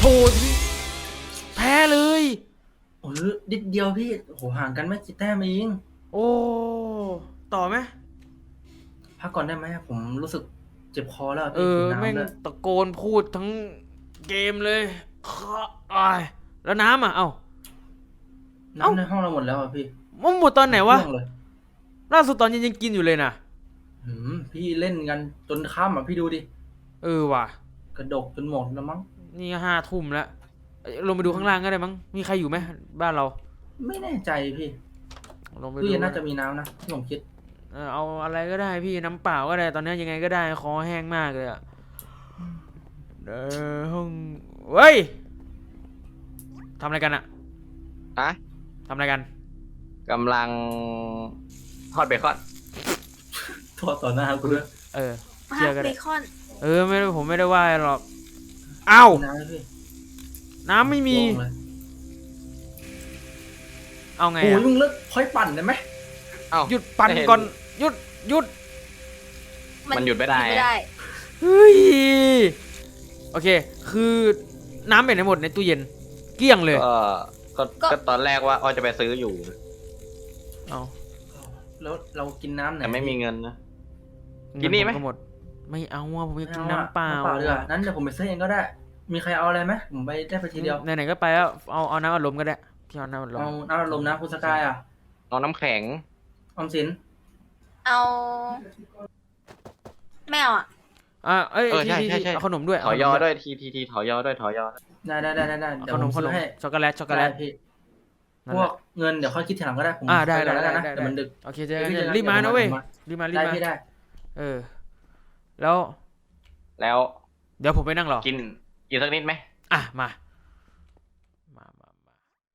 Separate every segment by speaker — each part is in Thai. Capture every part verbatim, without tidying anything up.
Speaker 1: แพ้เลย
Speaker 2: โอ้ยนิดเดียวพี่โหห่างกันไม่กี่แต้มเอง
Speaker 1: โอ้ต่อไหม
Speaker 2: พักก่อนได้ไหมผมรู้สึกเจ็บคอแล้ว
Speaker 1: เอ
Speaker 2: พี่
Speaker 1: อแม่ง
Speaker 2: กินน้ำเลย
Speaker 1: ตะโกนพูดทั้งเกมเลยอ้ายแล้วน้ำอ่ะเอ้า
Speaker 2: น้ำในห้องเราหมดแล้วอ่ะพี่
Speaker 1: มันหมดตอนไหนวะ
Speaker 2: เลย
Speaker 1: ล่าสุดตอนเย็นยังกินอยู่เลยนะ
Speaker 2: หืมพี่เล่นกันจนค่ำอ่ะพี่ดูดิ
Speaker 1: เออว่ะ
Speaker 2: กระดกจนหมดแล้วมั้ง
Speaker 1: นี่ห้าทุ่มแล้วลงไปดูข้างล่างก็ได้มั้งมีใครอยู่ไหมบ้านเรา
Speaker 2: ไม่แน่ใจพี่
Speaker 1: ลงไปดู
Speaker 2: พี่น่าจะมีน้ำนะที่ผมคิด
Speaker 1: เออเอาอะไรก็ได้พี่น้ำเปล่าก็ได้ตอนนี้ยังไงก็ได้คอแห้งมากเลยอะเออห้องเฮ้ยทำอะไรกันอะ
Speaker 3: อะ
Speaker 1: ทำอะไรกัน
Speaker 3: กำลังทอดเบคอน
Speaker 2: โทษต่อหน้ากูด้วย
Speaker 1: เออเชื่อกัน
Speaker 4: เบคอน
Speaker 1: เออไม่ได้ผมไม่ได้ว่าหรอกอ้าว
Speaker 2: น้ำพี่
Speaker 1: น้ำไม่มีเอาไง
Speaker 2: โอ้ย
Speaker 1: อะ
Speaker 2: มึงเลิกค่อยปั่นได้ไหม
Speaker 3: เอ้า
Speaker 1: หยุดปั่นก่อนหยุดหยุด
Speaker 3: มันหยุดไม่ได้
Speaker 1: เฮ้ยโอเคคือน้ำเป็นในหมดในตู้เย็นเกลี้ยงเลย
Speaker 3: ก็ก็ก็ตอนแรกว่าอ้อจะไปซื้ออยู่
Speaker 1: เอา
Speaker 2: แล้วเรากินน้ำไหน
Speaker 3: แต่ไม่มีเงินนะกินนี่ไหม
Speaker 1: หมดไม่เอาอ่ะผมอยากกินน้ำเปล่า
Speaker 2: น้ำเปล่าดีกว่านั้นเดี๋ยวผมไปซื้อเองก็ได้มีใครเอาอะไรไหมผมไปได้ไปทีเดียว
Speaker 1: ไหนๆก็ไปแล้วเอาเอาน้ำอัดลมก็ได้พี่เอาน้ำอัดลม
Speaker 2: เอาน้ำอัดลมนะคุณสกายอ่ะ
Speaker 3: เอาน้ำแข็ง
Speaker 2: ออมสิน
Speaker 4: เอาแมวอ่ะ
Speaker 1: อ่าเอ้ย
Speaker 3: เออใช่ใช่ใช่
Speaker 1: เอาขนมด้วย
Speaker 3: ถอยอด้วยทีทีทีถอยอด้วยถอยอ
Speaker 2: ได้ได้ได้ได้เดี๋ยวผมซื้อให้
Speaker 1: ช็อกโกแลตช็อกโกแลต
Speaker 2: พี่พวกเงินเดี๋ยวค่อยคิดทีหลังก็ได้ผม
Speaker 1: อ่าได้
Speaker 2: แล้วกันนะ
Speaker 1: ได้
Speaker 2: เดี๋ยวมันดึก
Speaker 1: โอเคเจอกันรีบมานะเว้ยรีบมารีบ
Speaker 2: ได้
Speaker 1: มา
Speaker 2: พี่ได้
Speaker 1: เออแล้ว
Speaker 3: แล้ว
Speaker 1: เดี๋ยวผมไปนั่งรอ
Speaker 3: กินกินสักนิดไหม
Speaker 1: อ่ะมามามามา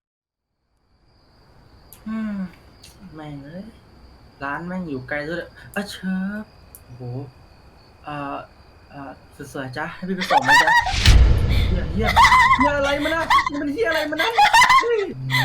Speaker 2: อืมแม่งเอ้ยร้านแม่งอยู่ไกลด้วยอ่ะเชิญโอ้โหอ่าอ่าสวยๆจ้ะให้พี่ไปส่งไหมจ๊ะเฮียเฮียเฮียอะไรมันนะมันเฮียอะไรมันนะเฮ้ย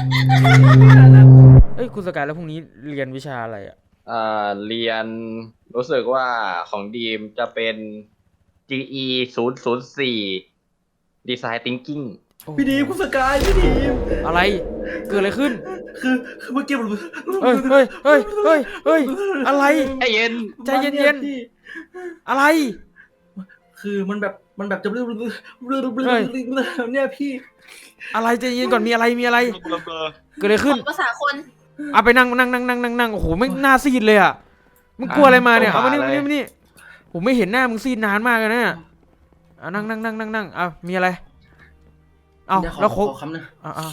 Speaker 1: เอ้ยคุณสกายแล้วพรุ่งนี้เรียนวิชาอะไรอ่ะ
Speaker 3: เอ่อเรียนรู้สึกว่าของดีมจะเป็น จี อี ศูนย์ ศูนย์ สี่ Design Thinking
Speaker 2: พี่ดีคุณสกายพี่ดี
Speaker 1: อะไรเกิดอะไรขึ้น
Speaker 2: คือคือเมื่อกี้ผม
Speaker 1: เฮ้ยเฮ้ยเฮ้ยเฮ้ยเฮ้ยอะไร
Speaker 3: ใจเย็น
Speaker 1: ใจเย็นๆอะไร
Speaker 2: คือมันแบบมันแบบจะบลื้อบลื้อบลื้อบลื้อเนี่ยพี่
Speaker 1: อะไรใจเย็นก่อนมีอะไรมีอะไรเกิดอะไรขึ้น
Speaker 4: ภาษาคน
Speaker 1: เอาไปนั่งนั่งนั่งนั่งนั่งนั่งโอ้โหไม่หน้าซีดเลยอ่ะมึงกลัวอะไรมาเนี่ยเอามานี่มานี่มานี่ผมไม่เห็นหน้ามึงซีดนานมากเลยนะอ่ะนั่งนั่งนั่งนั่งนั่งอ่ะมีอะไรเอาแล้วโค้ก
Speaker 2: คำนึง
Speaker 1: อ่ะอ่ะ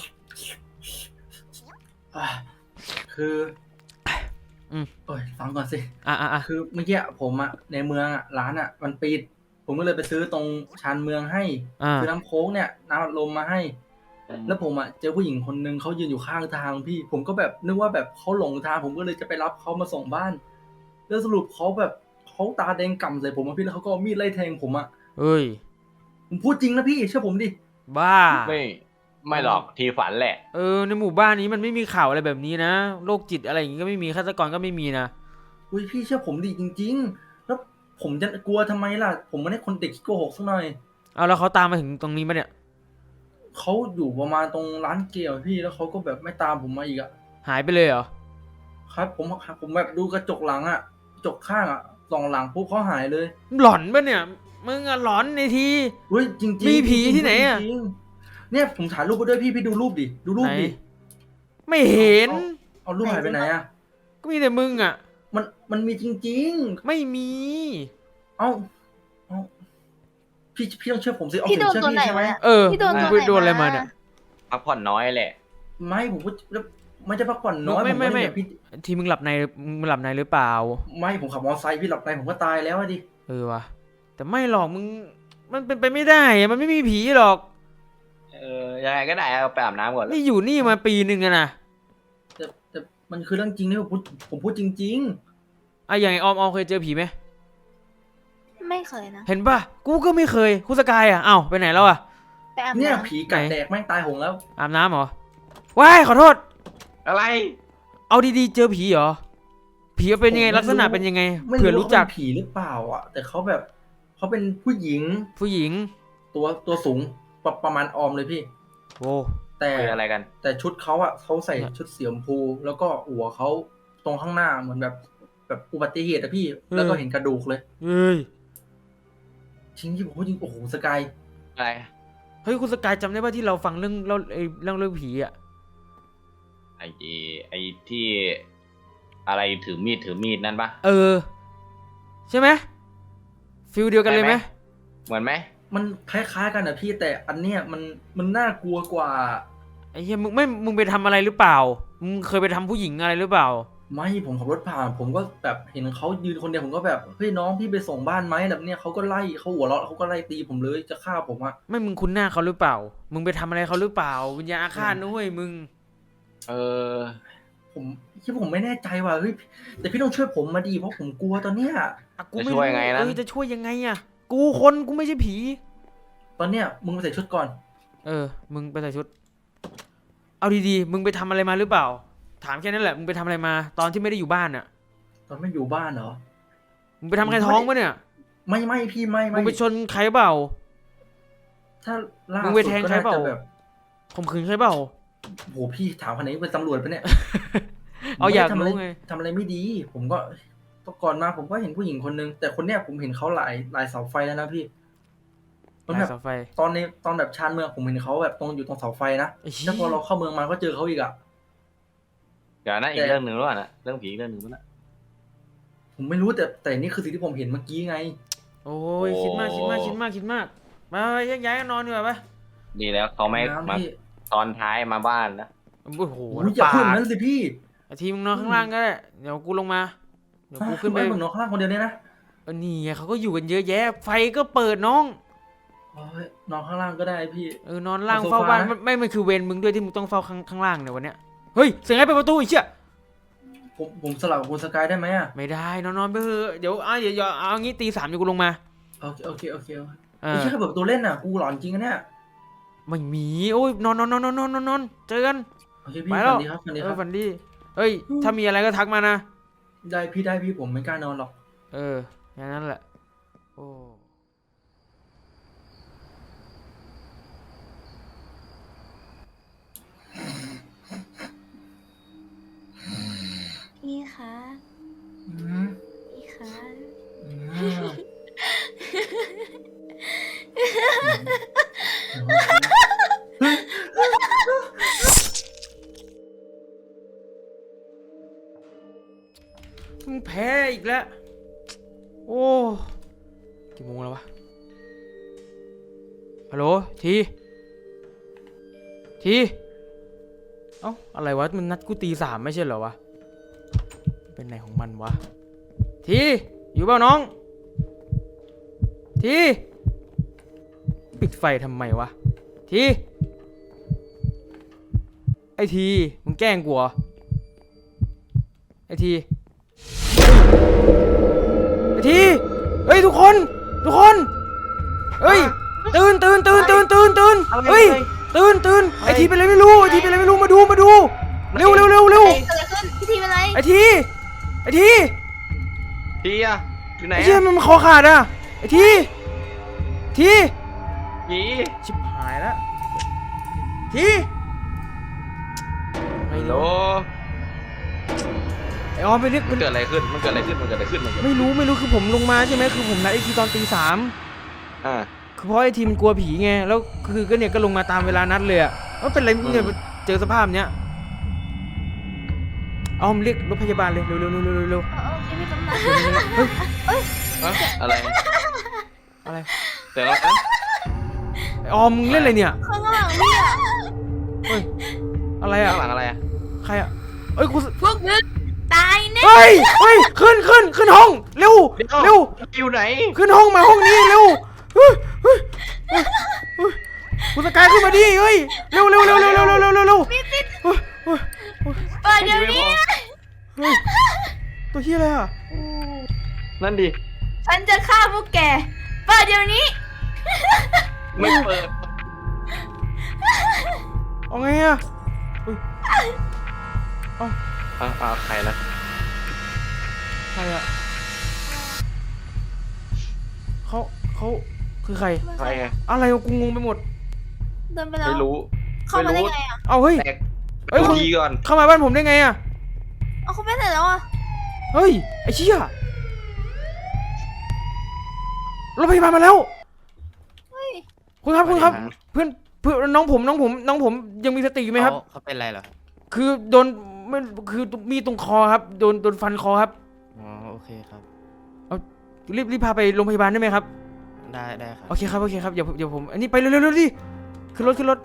Speaker 2: คืออืมโอ้ยฟังก่อนสิ
Speaker 1: อ่ะอ่ะอ่ะ
Speaker 2: คือเมื่อกี้ผมอ่ะในเมืองอ่ะร้านอ่ะมันปิดผมก็เลยไปซื้อตรงชานเมืองให้ซื้อน้ำโค้กเนี่ยน้ำอัดลมมาให้แล้วผมอ่ะเจอผู้หญิงคนนึงเขายืนอยู่ข้างทางพี่ผมก็แบบนึกว่าแบบเขาหลงทางผมก็เลยจะไปรับเขามาส่งบ้านแล้วสรุปเขาแบบเขาตาแดงก่ำใส่ผมอ่ะพี่แล้วเขาก็เอามีดไล่แทงผมอ่ะ
Speaker 1: เฮ้ย
Speaker 2: ผมพูดจริงนะพี่เชื่อผมดิ
Speaker 1: บ้า
Speaker 3: ไม่ไม่หรอกทีฝันแหละ
Speaker 1: เออในหมู่บ้านนี้มันไม่มีข่าวอะไรแบบนี้นะโรคจิตอะไรอย่างงี้ก็ไม่มีฆาตกรก็ไม่มีนะ
Speaker 2: อุ้ยพี่เชื่อผมดิจริงๆแล้วผมจะกลัวทำไมล่ะผมไม่ได้คนเด็กขี้โกหกสักหน่อย
Speaker 1: เอาแล้วเขาตามมาถึงตรงนี้มาเนี่ย
Speaker 2: เขาอยู่ประมาณตรงร้านเกี๊ยวพี่แล้วเขาก็แบบไม่ตามผมมาอีกอะ
Speaker 1: หายไปเลยเหรอ
Speaker 2: ครับผมผมแบบดูกระจกหลังอะกระจกข้างอะส่องหลังปุ๊บเขาหายเลย
Speaker 1: หลอนปะเนี่ยมึงอะหลอนในที
Speaker 2: เฮ้ยจริงๆ
Speaker 1: มีผีที่ไหนอะ
Speaker 2: เนี่ยผมถ่ายรูปไปด้วยพี่พี่ดูรูปดิดูรูปดิ
Speaker 1: ไม่เห็น
Speaker 2: เอารูปหายไปไหนอะ
Speaker 1: ก็มีแต่มึงอะ
Speaker 2: มันมันมีจริง
Speaker 1: ๆไม่มี
Speaker 2: เอ้าเอ้าพี่พี่ต้องเชื่อผมสิเอาผมเชื่อพี่ใช่ไหม
Speaker 1: เออพี่โดนโดนอะไรมาเนี่ย
Speaker 3: พักผ่อนน้อยแหละ
Speaker 2: ไม่ผมก็ไม่จะพักผ่อนน้อย
Speaker 1: ไม่ไม่ไม่ทีมึงหลับในมึงหลับในหรือเปล่า
Speaker 2: ไม่ผมขับมอเตอร์ไซค์พี่หลับในผมก็ตายแล้วดิ
Speaker 1: เออวะแต่ไม่หรอกมึงมันเป็นไปไม่ได้มันไม่มีผีหรอก
Speaker 3: เออยังไงก็ได้เอาไปอาบน้ำก่อน
Speaker 1: นี่อยู่นี่มาปีหนึ่งอะนะ
Speaker 2: แต่แต่มันคือเรื่องจริงนี่ผมพูดผมพูดจริง
Speaker 1: ๆอ่ะอย่างไอออมออมเคยเจอผีไหม
Speaker 4: ไม่เคยนะ
Speaker 1: เห็นป่ะกูก็ไม่เคยคุณสกายอ่ะเอ้าไปไหนแล้วอ่ะ
Speaker 4: ไปอาบน้ำ
Speaker 2: เนี่ยผีกัดแดกแม่งตายหงแล้ว
Speaker 1: อาบน้ำเหรอว้ายขอโทษ
Speaker 3: อะไร
Speaker 1: เอาดีๆเจอผีเหรอผีเป็นยังไงลักษณะเป็นยังไงเผื่อรู้จัก
Speaker 2: ผีหรือเปล่าอ่ะแต่เขาแบบเขาเป็นผู้หญิง
Speaker 1: ผู้หญิง
Speaker 2: ตัวตัวสูงประประมาณออมเลยพี่
Speaker 1: โอ้
Speaker 2: แต่
Speaker 3: คุยอะไรกัน
Speaker 2: แต่ชุดเขาอะเขาใส่ชุดสีชมพู แล้วก็หัวเขาตรงข้างหน้าเหมือนแบบแบบอุบัติเหตุอะพี่ แล้วก็เห็นกระดูกเลย
Speaker 1: เฮ้ย
Speaker 2: จริงที่ผมจริงโอ้โหสกาย
Speaker 3: อะไร
Speaker 1: เฮ้ยคุณสกายจำได้ป่ะที่เราฟังเรื่องเล่าไอ้เรื่องเรื่องผีอ่ะ
Speaker 3: ไอ้ไอ้ที่อะไรถือมีดถือมีดนั่นปะ
Speaker 1: เออ ใช่ไหมฟิลเดียวกันเลยไหม
Speaker 3: เหมือนไหม
Speaker 2: มันคล้ายๆกันอะพี่แต่อันเนี้ยมันมันน่ากลัวกว่า
Speaker 1: ไอ้เหี้ยมึงไม่มึงไปทำอะไรหรือเปล่ามึงเคยไปทำผู้หญิงอะไรหรือเปล่า
Speaker 2: ไม่ผมขับรถผ่าน ผมก็แบบเห็นเขายืนคนเดียวผมก็แบบเฮ้ยน้องพี่ไปส่งบ้านไหมแบบเนี้ยเขาก็ไล่เขาหัวเราะเขาก็ไล่ตีผมเลยจะฆ่าผมอะ
Speaker 1: ไม่มึงคุ้นหน้าเขาหรือเปล่า มึงไปทำอะไรเขาหรือเปล่าวิญญาณอาฆาตนะเว้ยมึง
Speaker 3: เออ
Speaker 2: ผมที่ผมไม่แน่ใจว่าเฮ้ยแต่พี่ต้องช่วยผมมาดีเพราะผมกลัวตอนเนี้ย
Speaker 1: อ่ะกูไม่
Speaker 3: จะช่วยไงนะ
Speaker 1: เออจะช่วยยังไงอ่ะ กูคนกูไม่ใช่ผี
Speaker 2: ตอนเนี้ยมึงไปใส่ชุดก่อน
Speaker 1: เออ มึงไปใส่ชุด เอาดีๆ มึงไปทำอะไรมาหรือเปล่า ถามแค่นั้นแหละ มึงไปทำอะไรมา ตอนที่ไม่ได้อยู่บ้านอ่ะ
Speaker 2: ตอนไม่อยู่บ้านเหรอ
Speaker 1: มึงไปทำใครท้องปะเนี่ย
Speaker 2: ไม่ไม่พี่ไม่
Speaker 1: มึ
Speaker 2: ไม่
Speaker 1: งไปชนใครเปล่า
Speaker 2: ถ้าล่า
Speaker 1: มึ
Speaker 2: สุ
Speaker 1: ง
Speaker 2: ด
Speaker 1: ไปแทง
Speaker 2: ก็
Speaker 1: ใคร
Speaker 2: น่า
Speaker 1: เปล่า
Speaker 2: จะแบบ
Speaker 1: ข่มขืนใครเปล่า
Speaker 2: โหพี่ถามคนไหนเป็นตำรวจปะเนี่ย
Speaker 1: เอาอยาก
Speaker 2: ผมไม่
Speaker 1: รู้
Speaker 2: ได้
Speaker 1: ไง
Speaker 2: ทำอะไรทำอะไรไม่ดี ผมก็ตก่อนมาผมก็เห็นผู้หญิงคนนึงแต่คนเนี้ยผมเห็นเขาหลายหลายเสาไฟแล้วนะพี่มันแบบ
Speaker 1: เสาไฟ
Speaker 2: ตอนในตอนแบบชานเมืองผมเห็นเขาแบบตรงอยู่ตรงเสาไฟนะ
Speaker 1: ไอ้เหี้ย
Speaker 2: แล้วพอเราเข้าเมืองมาก็เจอเขาอีกอะ
Speaker 3: เดี๋ยวนะอี
Speaker 2: แต่
Speaker 3: กเรื่องหนึ่งแล้วนะเรื่องผีอีกเรื่องหนึ่งแล้วนะ
Speaker 2: ผมไม่รู้แต่แต่นี่คือสิ่งที่ผมเห็นเมื่อกี้ไง
Speaker 1: โอ้ยคิดมากคิดมากคิดมากคิดมาก มาไปแยกย้ายกันนอนดีกว่าปะ
Speaker 3: ดีแล้วเขาไม่
Speaker 2: น้ำ
Speaker 3: มา
Speaker 2: พี่
Speaker 3: ตอนท้ายมาบ้านนะ
Speaker 1: โอ้โห
Speaker 2: โอ้ยอย่า
Speaker 1: ปา
Speaker 2: พูด
Speaker 1: ด
Speaker 2: นั้นสิพี่
Speaker 1: ไอ้ทีมึงนอนข้างล่างก็ได้ เดี๋ยวกูลงมา เดี๋ยวกูขึ้นไป
Speaker 2: ไอ้มึงนอนข้างล่างคนเดียวเนี่ยนะ
Speaker 1: เออนี่ไงเขาก็อยู่กันเยอะแยะ ไฟก็เปิดน้อง
Speaker 2: โอ้ยนอนข้างล่างก็ได้พี่
Speaker 1: เออนอนล่าง
Speaker 2: เอาโซ
Speaker 1: เฝ้า
Speaker 2: ฟา
Speaker 1: บ้าน
Speaker 2: นะ
Speaker 1: ไม่ไม่มันคือเวรมึงด้วยที่มึงต้องเฝ้าข้างข้างล่างเนี่ยวันเนี้ย เฮ้ย เสียงไอ้เปิดประตูอีกเชี่ย
Speaker 2: ผมผมสลับกับคุณสกายได้ไหมอะ
Speaker 1: ไม่ได้นอนนอนไปเถอะเดี๋ยวอ่ะเดี๋ยวเดี๋ยวเอางี้ตีสามเดี๋ยวกูลงมา
Speaker 2: โอเคโอเคโอเคโอเค
Speaker 1: เอ
Speaker 2: ไอ้
Speaker 1: อ
Speaker 2: เชี่ยแค่เปิดประตูเล่นน่ะกูหลอนจริงอะเนี่ย
Speaker 1: ไม่มี โอ้ยนอนนอนนอนนอนนอนนอนนอนเจอกัน
Speaker 2: โอเคพี่
Speaker 1: ไปแล้
Speaker 2: ฝั
Speaker 1: ว
Speaker 2: นดีครับฝันดี
Speaker 1: เอ
Speaker 2: ค
Speaker 1: อ
Speaker 2: รับ
Speaker 1: ฝันดีเฮ้ย ถ้ามีอะไรก็ทักมานะ
Speaker 2: ได้พี่ได้พี่ผมไม่กล้านอนหรอก
Speaker 1: เอออย่างนั้นแหละ โอ้
Speaker 4: พี่คะ
Speaker 2: อืม
Speaker 4: พี่คะ
Speaker 2: อืม
Speaker 1: มึงแพ้อีกแล้ว โอ้กี่โมงแล้ววะ ฮัลโหล ที ที เอ้า อะไรวะ มันนัดกูตีสามไม่ใช่เหรอวะ เป็นไหนของมันวะ ที อยู่เปล่าน้อง ที ปิดไฟทำไมวะ ที ไอที มึงแกล้งกูเหรอ ไอที ไอที เฮ้ยทุกคน ทุกคน เฮ้ย ตื่นตื่นตื่นตื่นตื่นตื่นเฮ้ย ตื่นตื่นไอทีเป็นอะไรไม่รู้ ไอทีเป็นอะไรไม่รู้ มาดู มาดู เร็วเร็วเร็วเร็ว
Speaker 4: เกิดอะไรขึ้นพี่ทีเป็นไร
Speaker 1: ไอที ไอที
Speaker 3: ทีอะอยู่ไหน
Speaker 1: ไอเชี่ย
Speaker 3: อะ
Speaker 1: มันคอขาดอ่ะ ไอที ที
Speaker 3: ผี
Speaker 1: ชิบหายแล้ว ทีไอ้
Speaker 3: โหล
Speaker 1: ไอออมไปเรียก
Speaker 3: มันเกิดอะไรขึ้นมันเกิดอะไรขึ้นมันเกิดอะไรขึ้นมันเกิด
Speaker 1: ไม่รู้ไม่รู้คือผมลงมาใช่ไหมคือผมนัดไอทีตอนตีสาม
Speaker 3: อ่า
Speaker 1: คือเพราะไอทีมันกลัวผีไง แล้วคือก็เนี่ยก็ลงมาตามเวลานัดเลยอะว่าเป็นไรเนี่ยเจอสภาพเนี้ยเอาผมเรียกรถพยาบาลเลยเร็วเร็วเร็วเร็วเร็วเร็ว
Speaker 4: โอเคพี่ตำรวจ
Speaker 1: เฮ้ย
Speaker 3: อะอะไร
Speaker 1: อะไร
Speaker 3: แต่ละนั้น
Speaker 1: ไอออมมึงเล่นอะไรเนี่ย
Speaker 4: ข้างหลังพี่อะ
Speaker 1: เฮ้ยอะไรอะ
Speaker 3: ข้างหลังอะไรอะ
Speaker 1: ใครอะเอ้ยกู
Speaker 4: พวกมึงตายแน่
Speaker 1: เฮ้ยเฮ้ยขึ้นขึ้นขึ้นห้องเร็วเร็ว
Speaker 3: อยู่ไหน
Speaker 1: ขึ้นห้องมาห้องนี้เร็วเฮ้ยเฮ้ยเฮ้ยเฮ้ยคุณสกายขึ้นมาดิเฮ้ยเร็วเร็วเร็วเร็วเร็วเร็วเร็วเร็วเร็วเฮ้ยเฮ้ยเฮ้ย
Speaker 4: เปิดเดี๋ยวนี้
Speaker 1: เฮ้ยตัวเฮียอะไรอะ
Speaker 3: นั่นดิ
Speaker 4: ฉันจะฆ่าพวกแกเปิดเดี๋ยวนี้
Speaker 3: ไม่เปิด
Speaker 1: เอาไงอะเฮ้ยเอา
Speaker 3: อ่าอ่าใครนะ
Speaker 1: ใครอะเขาเขาคือใคร
Speaker 3: ใครไง
Speaker 1: อะไรวะกูงงไปหมด
Speaker 4: เดินไปแล้ว
Speaker 3: ไม่รู้
Speaker 4: เข้ามาได้
Speaker 3: รู้
Speaker 4: ไงอ่ะ
Speaker 1: เอาเฮ้ย
Speaker 3: แตก
Speaker 1: เอ้ย
Speaker 3: ดู
Speaker 1: คุณ
Speaker 3: ทีก่อน
Speaker 1: เข้ามาบ้านผมได้ไงอะ
Speaker 4: เอาเขาไปไหนแล้วอ่ะ
Speaker 1: เฮ้ยไอ้เชี่ยรถพยาบาลมาแล้ว
Speaker 4: เฮ้ย
Speaker 1: คุณครับคุณครับ เพื่อนเพื่อนน้องผมน้องผมน้องผมยังมีสติอยู่ไหมครับ
Speaker 5: เขาเขาเป็นไรเหรอ
Speaker 1: คือโดนไม่คือมีตรงคอครับโดนโดนฟันคอครับ
Speaker 5: อ๋อโอเคครับ
Speaker 1: รีบรีบพาไปโรงพยาบาลได้ไหมครับ
Speaker 5: ได้ได้ครับ
Speaker 1: โอเคครับโอเคครับเดี๋ยวเดี๋ยวผมอันนี้ไปเร็วเร็วเร็วดิขึ้นรถขึ้นรถ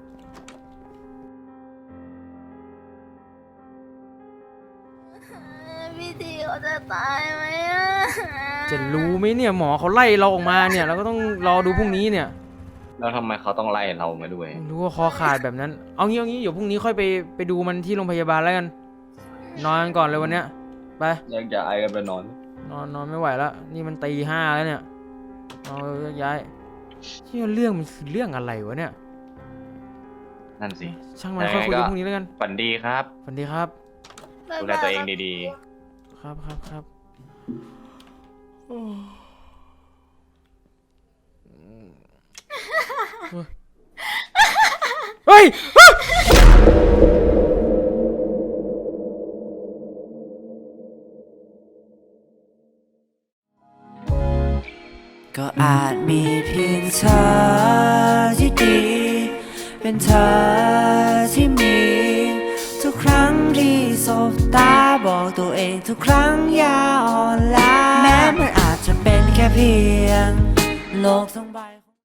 Speaker 4: พี่ทีเขาจะตายไหมอ่ะ
Speaker 1: จะรู้ไหมเนี่ยหมอเขาไล่เราออกมาเนี่ยเราก็ต้องรอดูพรุ่งนี้เนี่ย
Speaker 3: แล้วทำไมเขาต้องไล่เรามาด้วย
Speaker 1: ไม่รู้ว่าคอขาดแบบนั้น เอางี้เอางี้เดี๋ยวพรุ่งนี้ค่อยไปไปดูมันที่โรงพยาบาลแล้วกัน นอนกันก่อนเลยวันเนี้ย ไป
Speaker 3: อยากจะไอกันไปนอน
Speaker 1: นอนนอนไม่ไหวแล้ว นี่มันตีห้าแล้วเนี่ยเอาย้ายเชื่อเรื่องมันคือเรื่องอะไรวะเนี่ย
Speaker 3: นั่นสิ
Speaker 1: ช่างมันค่อยคุยกันพรุ่งนี้แล้วกัน
Speaker 3: ฝันดีครับ
Speaker 1: สวัสดีครับ
Speaker 3: ดูแลตัวเองดี
Speaker 1: ครับครับครับโอ้เฮ้ย
Speaker 6: ก็อาจมีเพียงเธอที่ดี เป็นเธอที่มี ทุกครั้งที่สบตาบอกตัวเองทุกครั้งอย่าอ่อนล้าแม้มันอาจจะเป็นแค่เพียงโลกทั้งใบ